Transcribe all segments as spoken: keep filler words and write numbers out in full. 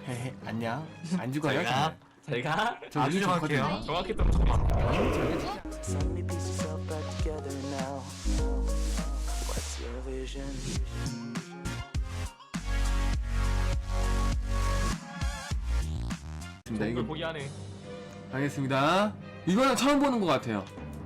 헤헤, 안녕. 안 죽어요, 제가 정말. 제가 저 아주 요즘 정확해요. 좋거든요. 정확했던 잠깐만. So many pieces all back together now. What's your vision? 네, 이걸 이거 포기하네. 알겠습니다. 이거는 처음 보는 것 같아요.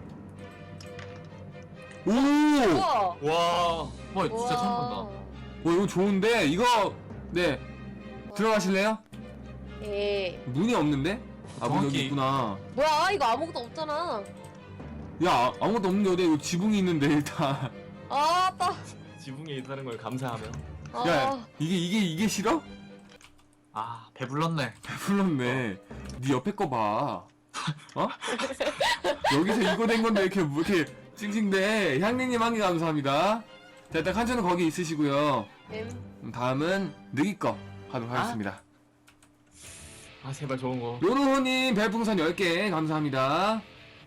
오! 우와. 와, 와 진짜 처음 본다. 오, 이거 좋은데? 이거, 네. 들어가실래요? 예. 문이 없는데? 아, 문 여기 정확히- 있구나. 뭐야, 이거 아무것도 없잖아. 야, 아- 아무것도 없는데 어디 이거 지붕이 있는데, 일단. 아, 아빠. 지붕에 있다는 걸 감사하며. 아, 야, 이게, 이게, 이게 싫어? 아 배불렀네. 배불렀네. 네 옆에 거 봐. 어? 여기서 이거 된 건데, 이렇게, 뭐 이렇게, 찡찡대. 향리님 한 개 감사합니다. 자, 일단 칸초는 거기 있으시고요. 엠. 음, 다음은, 느기 거 하도록 아? 하겠습니다. 아 제발 좋은 거. 요노호님 별풍선 열 개 감사합니다.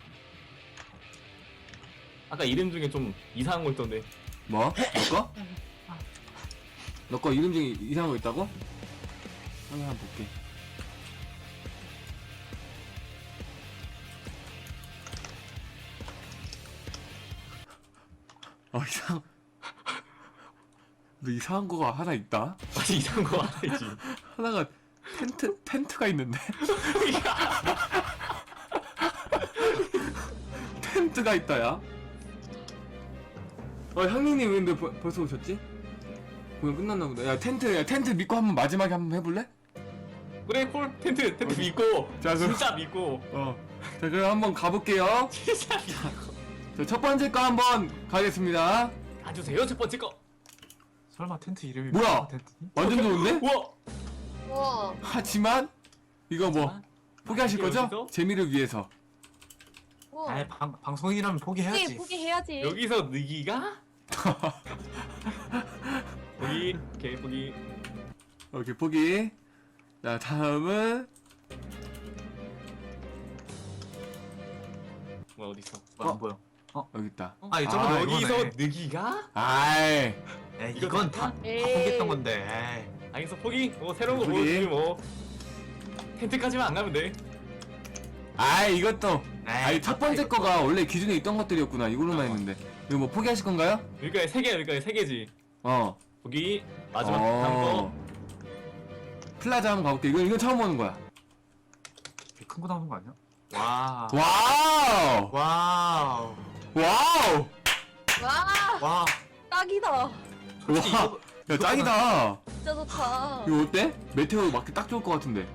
아까 이름 중에 좀 이상한 거 있던데. 뭐? 너 거? 너 거 이름 중에 이상한 거 있다고? 한번 한번 볼게. 어, 이상, 너 이상한 거가 하나 있다? 아니 이상한 거 하나 있지. 하나가 텐트, 텐트가 있는데? 텐트가 있다, 야. 어, 향리님 왜 근데 벌- 벌써 오셨지? 공연 끝났나 보다. 야, 텐트, 야, 텐트 믿고 한번 마지막에 한번 해볼래? 그래 콜 텐트 텐트 믿고. 자, 그럼- 진짜 믿고. 어. 자, 그럼 한번 가볼게요. 진짜 믿고. 자, 첫 번째 거 한번 가겠습니다. 가주세요 첫 번째 거. 설마 텐트 이름이 뭐야? 텐트니? 완전 좋은데? 우와. 우와. 하지만, 이거 뭐, 포기하실 이게 거죠? 여기서? 재미를 위해서. 우와. 아이 방, 방송이라면 포기해야지. 포기, 포기해야지. 여기서 느기가? 포기. 오케이 포기. 오케이, 포기. 자, 다음은, 뭐 어디 있어? 뭐야, 안 보여. 여기 있다. 아 이쪽은 아, 여기서 이거네. 느기가? 아이. 에이, 이거 이건 다- 다, 다 에이. 포기했던 건데. 에이. 알겠어 포기. 뭐 새로운 거 포기. 보여주지 뭐. 텐트까지만 안 가면 돼. 아이, 이것도. 에이, 아니, 첫 번째 이거- 거가 원래 기준에 있던 것들이었구나. 이걸로만 했는데. 이거 뭐 포기하실 건가요? 여기까지 세 개야 여기까지 세 개지. 어. 포기. 마지막 다음 거. 플라자 한번 가볼게. 이거, 이거 처음 보는 거야. 큰 거 나오는 거 아니야? 와. 와우! 와우. 와우! 와, 와. 딱이다. 솔직히 와! 이거- 야, 짱이다! 진짜 좋다. 이거 어때? 메테오 맞기 딱 좋을 것 같은데.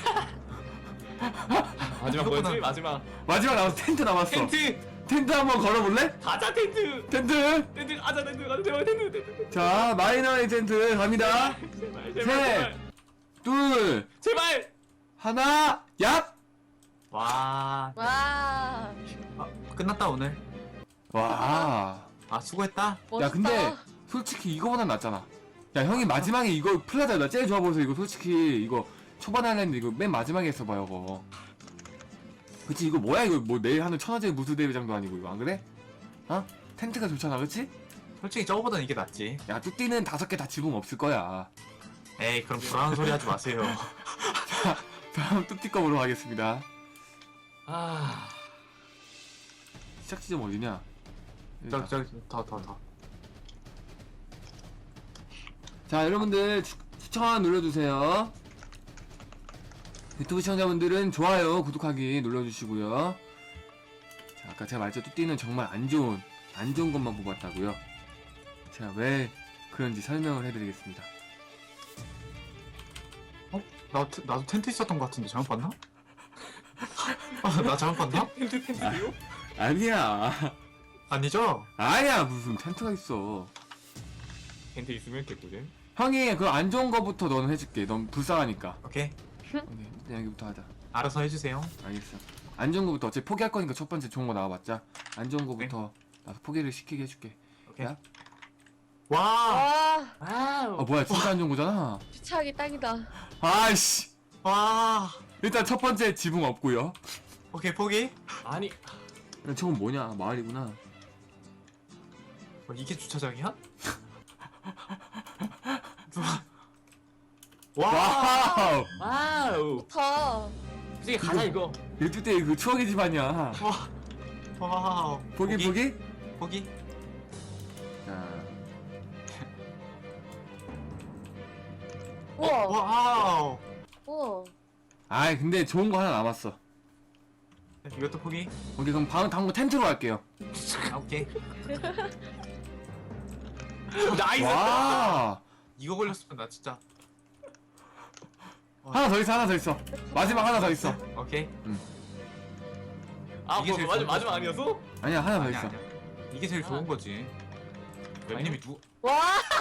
마지막 이거보다- 뭐였지? 마지막 마지막 남았어. 텐트 남았어. 텐트. 텐트 한번 걸어볼래? 가자 텐트. 텐트! 텐트 가자 텐트 가자 제발 텐트 텐트. 자, 마이너의 텐트 갑니다. 제발 제발 셋. 제발. 둘, 제발. 하나, 얍! 와. 와, 아, 끝났다 오늘. 와. 아 수고했다. 멋있다. 야, 근데 솔직히 이거보단 낫잖아. 야, 형이 마지막에 이거 플라자 나 제일 좋아 보여서 이거 솔직히 이거 초반에 하려는데 이거 맨 마지막에 했어봐요, 이거. 그치, 이거 뭐야, 이거 뭐 내일 하는 천하제 무술 대회장도 아니고, 이거 안 그래? 어? 텐트가 좋잖아, 그치? 솔직히 저거보단 이게 낫지. 야, 뚜띠는 다섯 개 다 지붕 없을 거야. 에이 그럼 불안한 소리 하지 마세요. 다음 뚜띠 거 보러 가겠습니다. 아. 시작 지점 어디냐? 저기 저기 더 더 더. 자, 여러분들 추, 추천 눌러주세요. 유튜브 시청자분들은 좋아요, 구독하기 눌러주시고요. 자, 아까 제가 말했죠. 뚜띠는 정말 안 좋은, 안 좋은 것만 뽑았다고요. 제가 왜 그런지 설명을 해드리겠습니다. 어? 나 테- 나도 텐트 있었던 것 같은데 잘못 봤나? 아, 나 잘못 봤나? 텐트 텐트요? 아니야. 아니죠? 아니야, 무슨 텐트가 있어. 텐트 있으면 개꿀잼. 형이 그 안 좋은 거부터 너는 해줄게. 넌 불쌍하니까. 오케이. 오케이, 일단 여기부터 하자. 알아서 해주세요. 알겠어. 안 좋은 거부터 어차피 포기할 거니까 첫 번째 좋은 거 나와봤자. 안 좋은 거부터 나도 포기를 시키게 해줄게. 오케이. 야? 와. 와, 와우. 아, 뭐야, 진짜 안 좋은 거잖아. 주차하기 딱이다. 아이씨. 와. 일단 첫 번째 지붕 없고요. 오케이 포기. 아니 저건 뭐냐? 마을이구나. 뭐, 이게 주차장이야? 누가 와. 와우. 와우. 좋다. 솔직히 가자 이거. 일주 때 그 추억의 집안이야. 와. 와우. 보기 보기. 보기. 자, 우와. 와우. 우와. 아 근데 좋은 거 하나 남았어. 이것도 포기. 오케이 그럼 다음 다음 거 텐트로 갈게요. 아, 오케이. 나이스. 와. 이거 걸렸으면 나 진짜. 하나 더 있어 하나 더 있어. 마지막 하나 더 있어. 오케이. 아, 이게 뭐 제일 마지막 좋은 마지막 거지. 아니었어? 아니야 하나 더 아니야, 있어. 아니야. 이게 제일 좋은 거지. 웬님이 누? 와.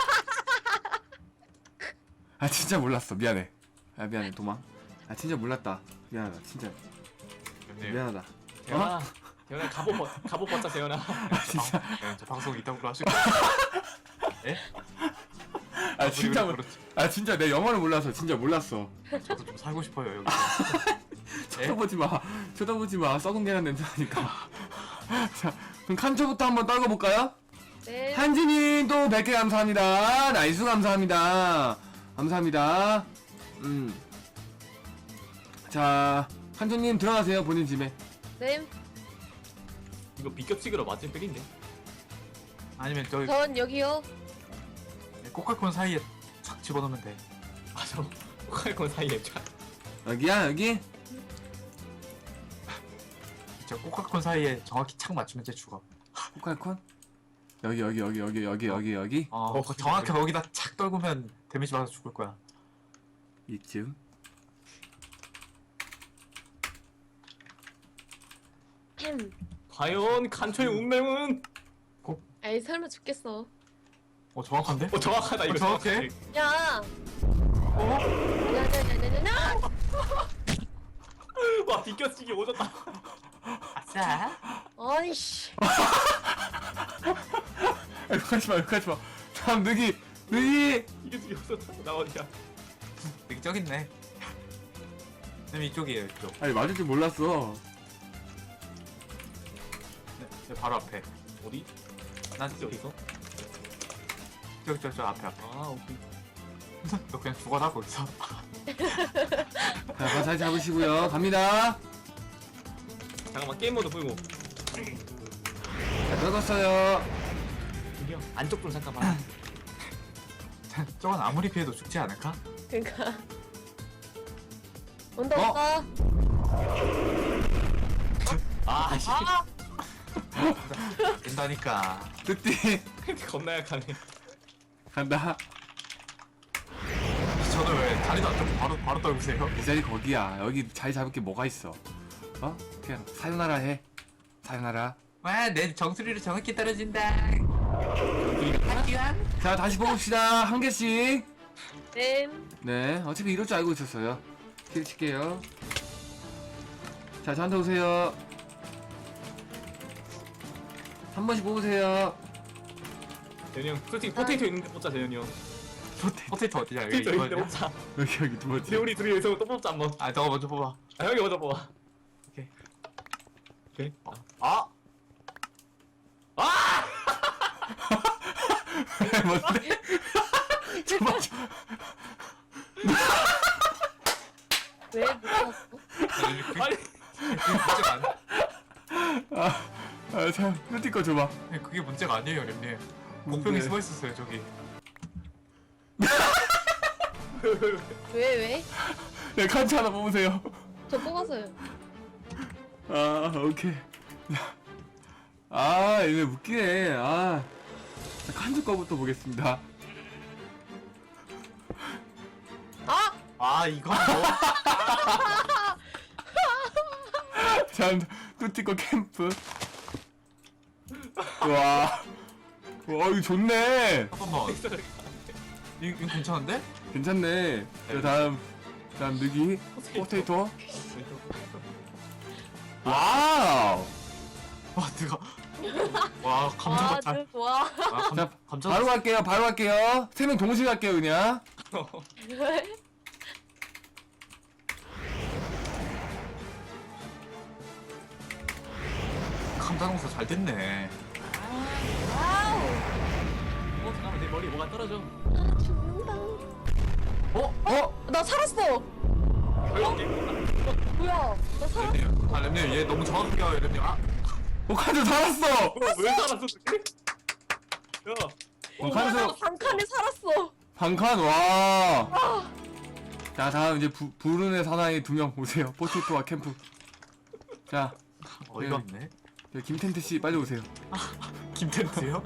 아 진짜 몰랐어 미안해. 아 미안해 도망. 아 진짜 몰랐다. 미안하다 진짜 웬님. 미안하다. 재현아, 재현아 갑옷 벗 갑옷 벗자 재현아. 아 진짜 네, 저 방송 이따구로 하실 거예요. 예? 아 진짜 몰. 그렇지. 아 진짜 내 영어를 몰라서 진짜 몰랐어. 저도 좀 살고 싶어요 여기. 예? 쳐다보지 마. 쳐다보지 마. 썩은 계란 냄새 나니까. 자 그럼 칸초부터 한번 떨궈 볼까요? 네. 한진님 또 백 개 감사합니다. 나이스 감사합니다. 감사합니다. 음. 자, 한조님 들어가세요 본인 집에. 네. 이거 비껴치기로 맞은 필인데. 아니면 저기 전 여기요. 코카콘 사이에 착 집어넣으면 돼. 맞아. 코칼콘 사이에 쫙. 여기야 여기. 저 코카콘 사이에 정확히 착 맞추면 쟤 죽어. 코칼콘. 여기 여기 여기 여기 여기 여기 여기. 어, 어, 정확히 거기다 착 떨구면 데미지 받아서 죽을 거야. 이쯤. 햄. 과연 칸초의 운명은? 아이 설마 죽겠어. 어 정확한데? 어 정확하다 이거. 어, 정확해? 정확해. 야. 어? 야야야야야야. 와 비껴치기 오졌다. 아싸. 아이씨. 아, 욕하지 마 욕하지 마. 다음 느기 느기. 이게 지금 오졌다. 나 어디야? 여기 저기 있네. 쌤 이쪽이에요 이쪽. 아니 맞을 줄 몰랐어. 네, 네, 바로 앞에. 어디? 난 진짜 어디 있어? 저기 저기 저 앞에 앞에. 아 오케이. 너 그냥 죽어라 거기서. 자, 발 잘 잡으시고요. 갑니다. 잠깐만 게임 모드 풀고. 자, 떨궜어요. 저기요 안쪽 좀 잠깐만. 저건 아무리 피해도 죽지 않을까? 그니까. 온다 어? 온다. 아 씨. 된다니까. 뚜띠 겁나 약하네. 간다. 저는 왜 다리도 안 잡고 바로 바로 떨구세요? 이 자리 거기야. 여기 자리 잡을 게 뭐가 있어? 어? 그냥 사요나라 해. 사요나라. 와, 내 정수리로 정확히 떨어진다. 자, 다시 뽑읍시다. 한 개씩. 네. 네, 어차피 이럴 줄 알고 있었어요. 킬 칠게요. 자, 저한테 오세요. 한 번씩 뽑으세요. 재현이 형 솔직히 포테이토 있는데 뽑자 재현이 형. 포테이토 어디야? 여기 포테이토 있는데 이거냐? 뽑자. 여기 여기 두 번째. 근데 우리 둘이 여기서 또 뽑자 한번. 아, 저거 먼저 뽑아. 아 형이 먼저 뽑아. 오케이. 오케이. 아, 아! 뭔데? 저만 저. 왜 못 봤어? 아니 그게 문제가 아니. 아, 아, 참, 뚜띠 거 줘봐. 그게 문제가 아니에요, 렘님. 뭔데? 목표이 숨어 있었어요, 저기. 왜 왜? 네, 칸치 하나 뽑으세요. 저 뽑았어요. 아, 오케이. 아, 이거 웃기네. 아, 자, 칸치 거부터 보겠습니다. 아! 아, 이건 뭐? 자, 뚜띠 거 캠프. 와, 와, 이거 좋네. 잠깐만. 이거, 이거 괜찮은데? 괜찮네. 자, 다음, 다음 느기. 포테이토. 와우. 와, 뜨거. 와, 감자 아, 같아. 저 좋아. 아, 감, 자, 감자. 바로 갈게요. 바로 갈게요. 세 명 동시에 갈게요, 그냥. 왜? 감자 농사 잘 됐네. 와우. 어 잠깐만 내 머리 뭐가 떨어져. 아, 죽는다. 어? 어? 나 살았어. 뭐야? 나 살았어. 렘님 아 렘님 얘 너무 정확하게 가요 렘님. 아 어 칸수 살았어. 어, 왜 살았어? 야, 어, 칸수 반칸에 살았어. 반칸 와. 자 다음 이제 부, 부른의 사나이 두 명 오세요. 포테이토와 캠프. 자 어이가 없네. 네, 김텐트 씨 빨리 오세요. 김텐트요?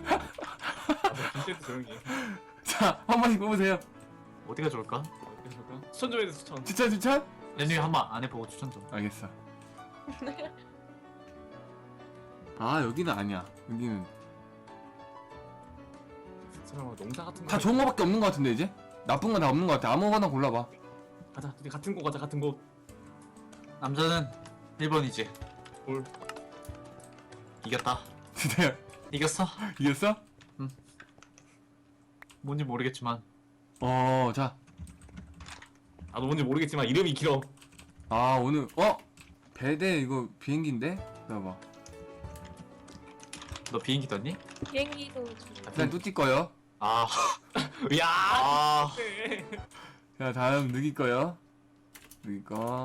김태도 조용히. 해. 자 한 번씩 뽑으세요. 어디가 좋을까? 그래볼까? 추천 좀 해줘 추천. 추천 추천? 렘님 한번 안 해보고 추천 좀. 알겠어. 아 여기는 아니야. 여기는 설마 농사 같은 거. 다 좋은 거밖에 없는 거 같은데 이제? 나쁜 건 다 없는 거 같아. 아무거나 골라봐. 가자. 우리 같은 곳 가자. 같은 곳. 남자는 일 번이지. 올. 이겼다. 진짜 이겼어? 이겼어? 뭔지 모르겠지만 어, 자. 나도 뭔지 모르겠지만 이름이 길어. 아, 오늘, 어? 배대 이거 비행기인데? 봐봐. 너 비행기 떴니? 비행기도 일단 뚜띠 거요. 아, 야. 아, 네. 자, 다음 느기 거요. 느기 거.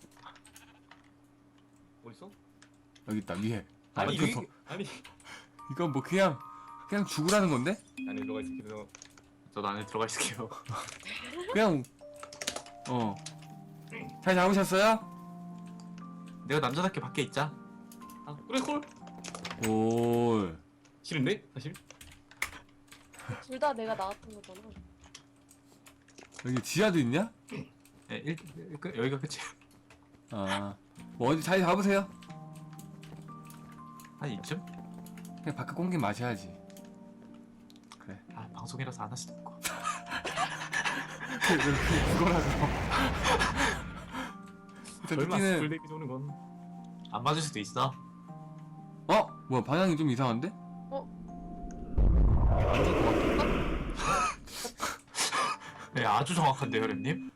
어디 있어? 여기 있다, 위에. 아, 아니 이거, 여기 더- 아니. 이건 뭐 그냥, 그냥 죽으라는 건데? 안에 들어가 있어. 그래서 저 안에 들어가 있을게요. 그냥, 어. 잘 잡으셨어요? 내가 남자답게 밖에 있자. 아 그래 콜. 오. 싫은데 사실. 둘 다 내가 나왔던 거잖아. 여기 지하도 있냐? 네, 일, 일, 끝, 여기가 끝이야. 아. 뭐 어디 잘 잡으세요? 한 이쯤? 그냥 바깥 공기 마셔야지. 그래. 아, 방송이라서 안 할 수도 없고. 그거라서. 일단 설마 뚜띠는, 스쿨데이비 오는 건. 안 맞을 수도 있어. 어? 뭐야, 방향이 좀 이상한데? 안될 것 같아. 네, 아주 정확한데요, 렘님?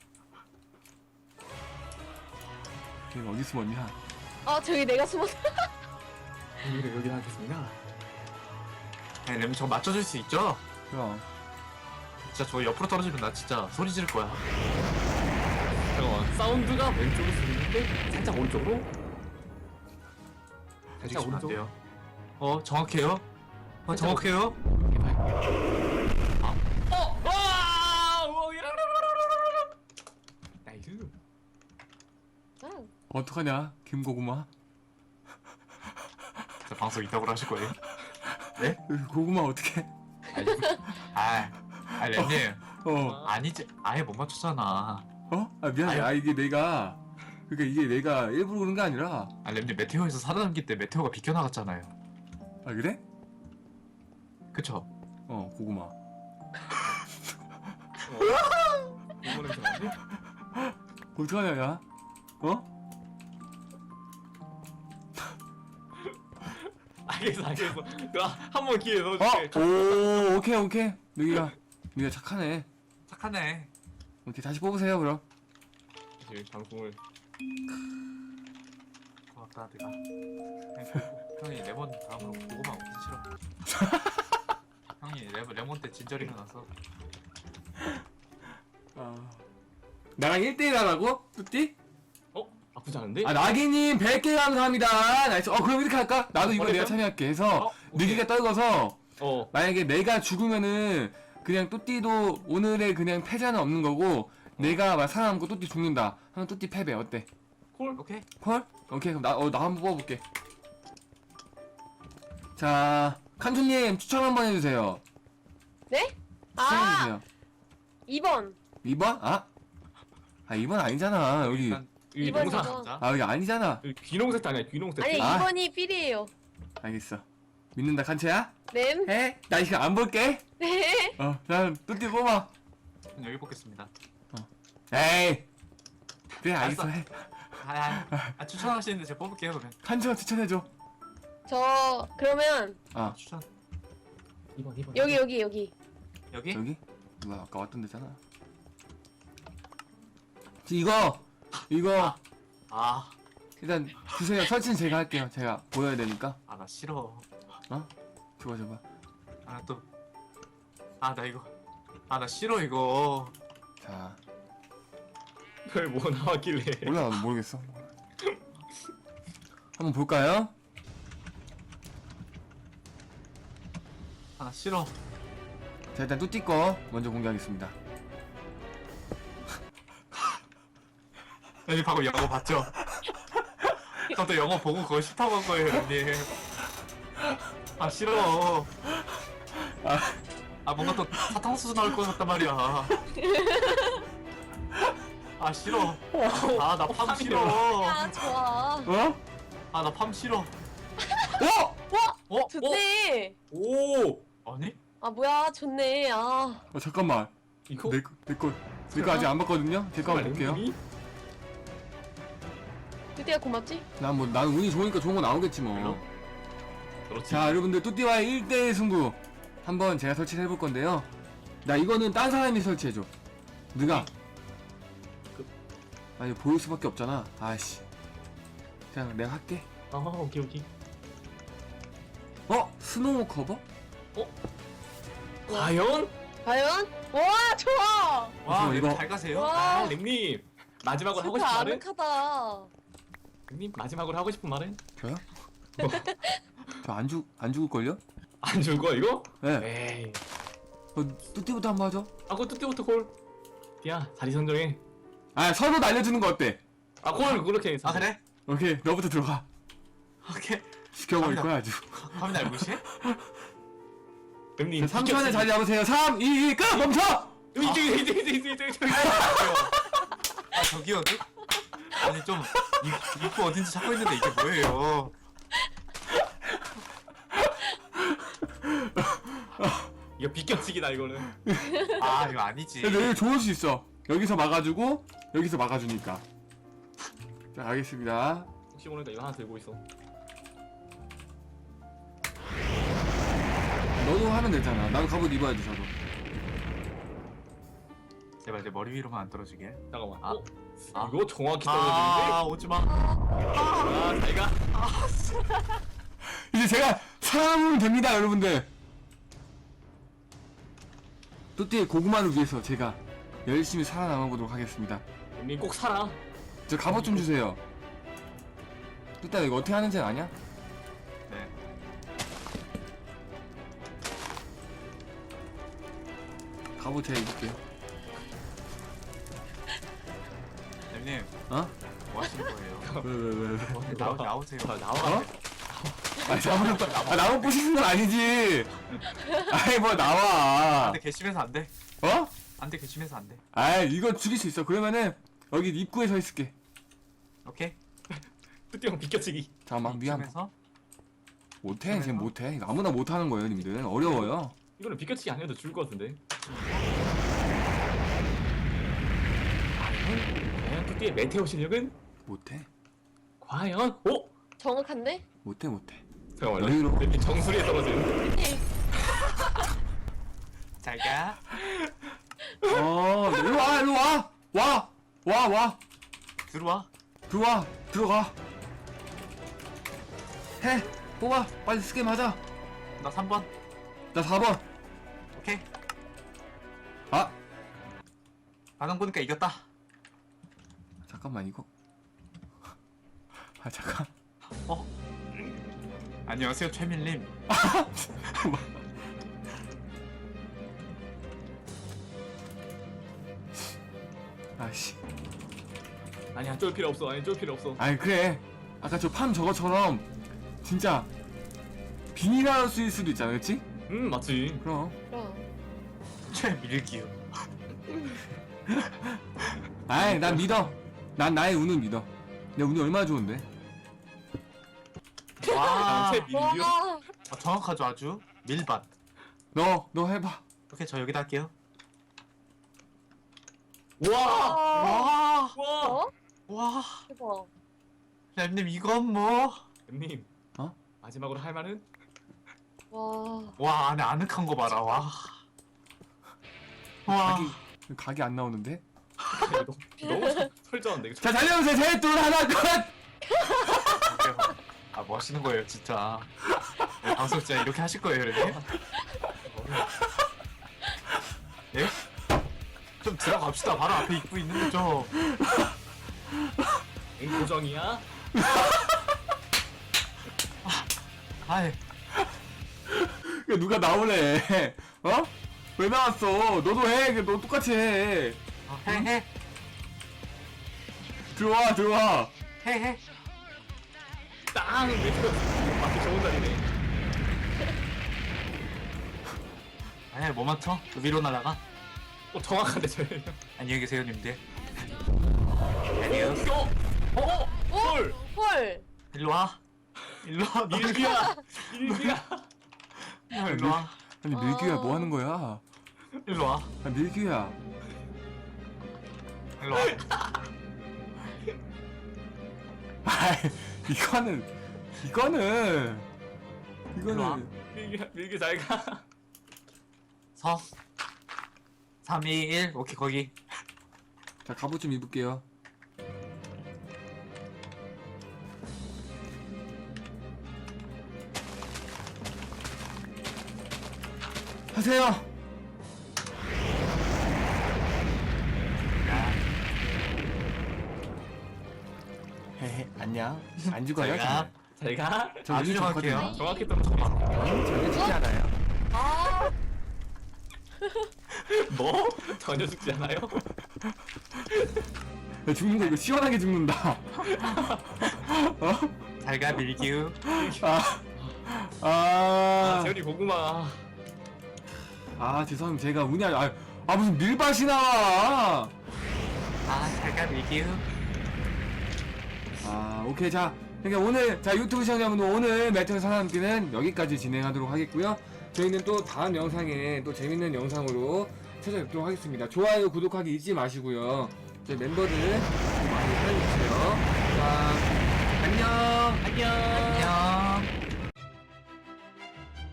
걔는 어디 숨었냐? 아 저기 내가 숨었어. 여기 여기 하겠습니다. 네, 렘님 저거 맞춰줄 수 있죠? 그럼. 진짜 저거 옆으로 떨어지면 나 진짜 소리 지를 거야. 잠깐만 사운드가 왼쪽으로 들리는데 살짝 오른쪽으로. 살짝 움직이시면 안 오른쪽. 돼요. 어, 정확해요? 어, 정확해요? 어! 와! 우와, 이라라라라라라. 나이스. 응. 어떡하냐, 김고구마? 저 방송 이따구로 하실 거예요? 네? 고구마 어떡해? 아니, 아, 아, 렘님. 어, 아니지, 아예 못 맞췄잖아. 어? 아, 미안해. 아유. 아, 이게 내가, 그러니까 이게 내가 일부러 그런 게 아니라, 아, 렘님 메테오에서 살아남기 때 메테오가 비켜나갔잖아요. 아, 그래? 그쵸? 어, 고구마. 이거는 좀 아니지? 어떡하냐, 야? 어? 알겠어, 알겠어. 한 번 기회 어? 넣어줄게. 오, 오케이, 오케이. 여기가, 여기가 착하네. 착하네. 오케이, 다시 뽑으세요, 그럼. 사실 방송을 고맙다, 내가. 형이 레몬 다음으로 고구마 먹기 싫어. 형이 레몬, 레몬 때 진저리가 나서. 아. 나랑 일 대일 하라고? 뚜띠? 어? 나쁘지 않은데? 아, 나기님 백 개 감사합니다. 나이스. 어, 그럼 이렇게 할까? 나도 이번에 내가 어디서? 참여할게 해서, 어, 오케이. 느기가 떨궈서, 어. 만약에 내가 죽으면은 그냥 뚜띠도 오늘의 그냥 패자는 없는 거고 내가 막 살아남고 뚜띠 죽는다 하면 뚜띠 패배 어때? 콜? 오케이. 콜? 오케이 그럼 나, 어, 나 한번 뽑아볼게. 자 칸준님 추천 한번 해주세요. 네? 아 추천해주세요. 이 번. 이 번? 아? 아 이 번 아니잖아 여기. 일단 이 이번 농사. 이번. 자, 아 여기 아니잖아. 여기 귀농 세트 아니야? 귀농 세트. 아니 아. 이 번이 삘이에요. 알겠어. 믿는다 칸체야? 램. 해? 나 이거 안 볼게. 네. 어, 난 뚜띠 뽑아. 그럼 여기 뽑겠습니다. 에이. 그래 알겠어 알았어. 해. 아, 아, 아 추천하시는데 제가 뽑을게요, 그러면. 칸체가 추천해줘. 저 그러면 아 추천. 이번 이번. 여기 여기 여기. 여기? 여기? 누가 아까 왔던 데잖아. 이거 이거 아, 일단 주세요. 설치는 제가 할게요. 제가 보여야 되니까. 아, 나 싫어. 줘봐 줘봐. 아, 또. 아, 나 이거. 아, 나 싫어, 이거. 자, 별 뭐 나왔길래. 몰라 나도 모르겠어. 한번 볼까요? 아 싫어. 자, 일단 뚜띠 거 먼저 공개하겠습니다. 형님 방금 영어 봤죠? 저도 영어 보고 그거 싫다고 한 거예요 형님. 아 싫어. 아, 아 뭔가 또 사탕수수 나올 것 같단 말이야. 아 싫어. 아 나 팜 싫어. 야 좋아. 어? 아 나 팜 싫어. 어? 어? 좋네. 오. 아니? 아 뭐야 좋네. 아 어 잠깐만. 이거? 내 거, 내 거, 내 거 아직 안 봤거든요. 제 거 한번 볼게요. 램님이? 드디어 고맙지? 난 뭐 나는 운이 좋으니까 좋은 거 나오겠지 뭐. 그렇지. 자, 여러분들 뚜띠와의 일 대 일 승부 한번 제가 설치를 해볼 건데요. 나 이거는 딴 사람이 설치해줘. 누가? 그- 아니 보일 수밖에 없잖아. 아씨. 자, 내가 할게. 아 오케이 오케이. 어? 스노우 커버? 과연? 과연? 와 좋아. 와 이거- 이거 잘 가세요? 와. 아 램님 마지막으로 하고 좋다 싶은 말은? 아늑하다. 램님 마지막으로 하고 싶은 말은? 저요? 저 안 죽, 안 죽을걸요? 안 줄 거야 이거? 네. 에이. 어, 뚜띠부터 한번 하죠. 아 그거 뚜띠부터 콜. 디야 자리 선정해. 아, 서로 날려주는 거 어때? 아콜 그렇게 해서. 아 그래? 오케이, 너부터 들어가. 오케이. 지켜버릴 갑니다. 거야, 아주. 감이 날 무시해? 램님. 삼 초 안에 자리 잡으세요. 삼, 이, 일, 끝! 멈춰! 이제 이제 이제 이제 이제 이제. 아 저기요. 그- 아니 좀 입, 입구 어딘지 찾고 있는데 이게 뭐예요? 이거 비껴치기다 이거는. 아 이거 아니지. 근데 여기 좋을 수 있어. 여기서 막아주고, 여기서 막아주니까. 자, 가겠습니다. 혹시 모르니까 이거 하나 들고 있어. 너도 하면 되잖아. 나도 갑옷 입어야지, 저도. 제발 내 머리 위로만 안 떨어지게. 잠깐만. 아. 어? 아. 이거 정확히 아 떨어지는데? 오지 마. 아 잘가. 이제 제가 살아남으면 됩니다, 여러분들. 뚜띠의 고구마를 위해서 제가 열심히 살아남아 보도록 하겠습니다. 램님 꼭 살아. 저 갑옷 좀 주세요. 뚜띠야, 이거 어떻게 하는지 아냐? 네. 갑옷 제가 입을게요. 렘님 어? 뭐 하시는 거예요? 왜, 왜, 왜, 왜. 나오 나오세요. 자, 나와. 어? 아, 나무, 아, 나무 부시는 건 아니지. 아이, 뭐, 나와. 안돼 개심해서 안 돼. 어? 안돼 개심해서 안 돼. 아, 이거 죽일 수 있어. 그러면은, 여기 입구에 서 있을게. 오케이. 뚜띠 형 비껴치기. 잠깐만, 미안. 개심해서 못해, 쟤 못해. 이거 아무나 못하는 거예요, 님들. 어려워요. 이거는 비껴치기 안 해도 줄 것 같은데. 과연 뚜띠의 메테오 실력은? 못해. 과연? 오! 정확한데? 못해, 못해. 잠깐만요. 여유로워. 램님 정수리에 떨어지는. 잘 가. 어, 일로 와, 일로 와! 와! 와, 와! 들어와. 들어와! 들어가! 해! 뽑아! 빨리 스게임 하자! 나 삼 번. 나 사 번! 오케이. 아! 반응 보니까 이겼다. 잠깐만, 이거. 아, 잠깐. 어? 안녕하세요 최밀님. 아씨. 아니야 쫄 필요 없어. 아니 쫄 필요 없어. 아니, 그래. 아까 저 팜 저거처럼, 진짜, 비닐하우스일 수도 있잖아, 그치? 음 맞지. 그럼. 그럼. 최밀기요. 아이, 난 믿어. 난 나의 운을 믿어. 내 운이 얼마나 좋은데? 와. 제 밀리오. 와. 어, 정확하죠 아주. 밀밭. 너, 너 해봐. 오케이 저 여기다 할게요. 와. 와. 와. 와. 어? 와. 대박. 렘님 이건 뭐? 램님. 어? 마지막으로 할 말은? 와. 와 안에 아늑한 거 봐라. 와. 와. 각이, 각이 안 나오는데? 너무 너무 설- 설정한데 이거. 자, 달려보세요. 셋, 둘, 하나, 끝! 아 뭐 하시는 거예요 진짜. 네, 방송 진짜 이렇게 하실 거예요 렘님? 예? 좀 들어갑시다. 바로 앞에 입구 있는 거죠. 응, 고정이야? 아이, 야, 누가 나오래. 어? 왜 나왔어? 너도 해. 너 똑같이 해. 어, 해, 해, 들어와, 들어와. 해, 해. 땅! 메테오 맞기 좋은 자리네. 아니, 뭐 맞춰? 위로 날아가? 어, 정확한데, 재현이 형. 안녕히 계세요, 님들. 안녕. 어? 어? 헐! 헐. 일로 와. 일로 와. 너 일기야! 일기야! 일로 와. 아니, 밀규야, 뭐 하는 거야? 일로 와. 아, 밀규야. 일로 와. 아, 이거는, 이거는, 일로 와. 이거는. 밀기야, 밀기 잘 가. 서. 삼, 이, 일. 오케이, 거기. 자, 갑옷 좀 입을게요. 하세요. 헤헤, 안녕. 안 죽어요? 제가 잘 가. 저 아주 운이 좋거든요. 정확해요. 정확히 또 정확히. 전혀 죽지 않아요. 아. 뭐? 전혀 죽지 않아요? 야, 죽는 거 이거 시원하게 죽는다. 어? 잘가 밀기우. 아, 아, 아, 재현이 고구마. 아, 죄송합니다. 제가 운이 아, 아 무슨 밀밭이 나와. 아, 잘가 밀기우. 아, 오케이. 자, 그러니까 오늘, 자, 유튜브 시청자분들 오늘 메테오 사람끼는 여기까지 진행하도록 하겠고요. 저희는 또 다음 영상에 또 재밌는 영상으로 찾아뵙도록 하겠습니다. 좋아요, 구독하기 잊지 마시고요. 저희 멤버들 많이 사랑해주세요. 자, 안녕! 안녕. 안녕.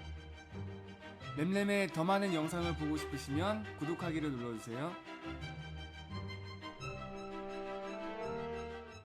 램램의 더 많은 영상을 보고 싶으시면 구독하기를 눌러주세요.